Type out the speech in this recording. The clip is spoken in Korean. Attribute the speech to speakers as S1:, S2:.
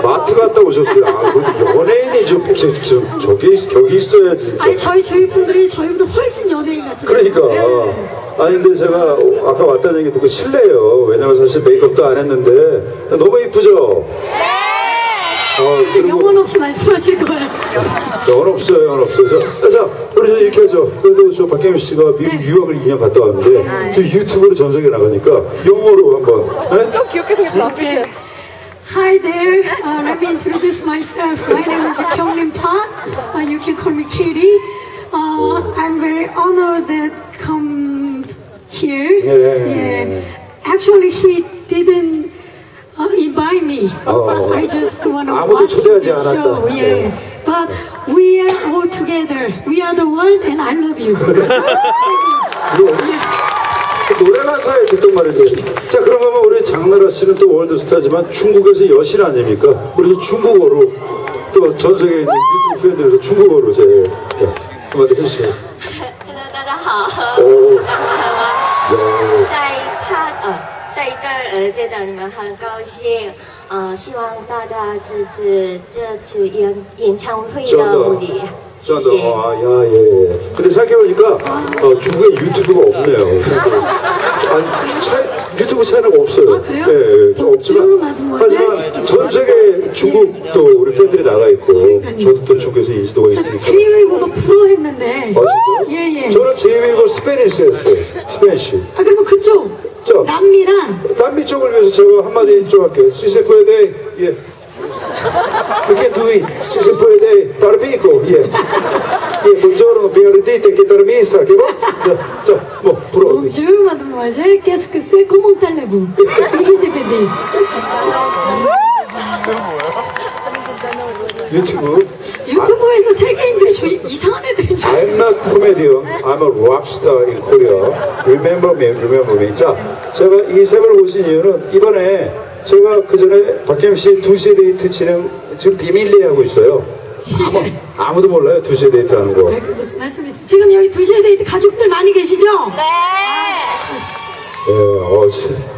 S1: 마트 갔다 오셨어요. 아, 그래도 연예인이 저기 있어야지, 진짜.
S2: 아니 저희 분들이 저희보다 훨씬 연예인 같은데.
S1: 그러니까.
S2: 네.
S1: 아니, 근데 제가 아까 왔다는 얘기 듣고 실례예요. 왜냐면 사실 메이크업도 안 했는데 너무 이쁘죠?
S2: 영혼 없이 말씀하실 거예요.
S1: 영혼 없어요, 영혼 없어요. 자, 우리 이렇게 하죠. 그래도 저 박혜민 씨가 미국 유학을 2년 갔다 왔는데 저 유튜브로 전 세계 나가니까 영어로 한번. 네?
S2: Okay. Hi there. Let me introduce myself. My name is Kyunglim Park. You can call me Katie. I'm very honored that come here.
S1: Yeah.
S2: Actually, he didn't invite me. I just want to
S1: 아무도
S2: watch
S1: 초대하지
S2: the show.
S1: 않았다.
S2: Yeah. But we are all together. We are the one, and I love you.
S1: 노래 가사에 듣던 말인데. 자, 그런 거면 우리 장나라 씨는 또 월드스타지만 중국에서 여신 아닙니까? 우리 중국어로 또 전 세계에 있는 유튜브 팬들에서 중국어로 제 한마디 해주세요.
S3: Hello， 大家好。
S1: 오.
S3: 在这儿见到你们很高兴，希望大家支持这次演唱会的目的。谢谢。
S1: 아, 야, 예. 근데 생각해보니까 중국에 유튜브가 없네요. 아니, 유튜브 채널가 없어요.
S2: 아, 그래요?
S1: 예, 좀 없지만 하지만 전 세계 중국도 우리 팬들이 나가 있고 저도 또 중국에서 인지도가 있으니까.
S2: 제이웨이브가 프로했는데.
S1: 아, 진짜요?
S2: 예.
S1: 저는 제이웨이브 스페니쉬였어요. 스페니쉬.
S2: 아 그러면 그쪽
S1: 자,
S2: 남미랑
S1: 남미 쪽을 위해서 제가 한마디 좀 할게요. 시세포에데, 예. Perché tu si se puede dar pico, yeah. Buongiorno, bienvenite, che dormisa, che va? 자, 뭐 불어.
S2: Bonjour mademoiselle, qu'est-ce que c'est? Comment allez-vous? 이히디비디.
S1: 유튜브.
S2: 유튜브에서 세계인들이 저 이상한 애들인 줄
S1: I'm not comedian. I'm a rock star in Korea. Remember me, remember me. 자, 제가 이 세 번을 오신 이유는 이번에 제가 그 전에 박혜민 씨 2시에 데이트 진행 지금 비밀리에 하고 있어요. 아무도 몰라요, 2시에 데이트 하는 거.
S2: 그 무슨 말씀이세요? 지금 여기 2시에 데이트 가족들 많이 계시죠?
S3: 네.
S1: 예,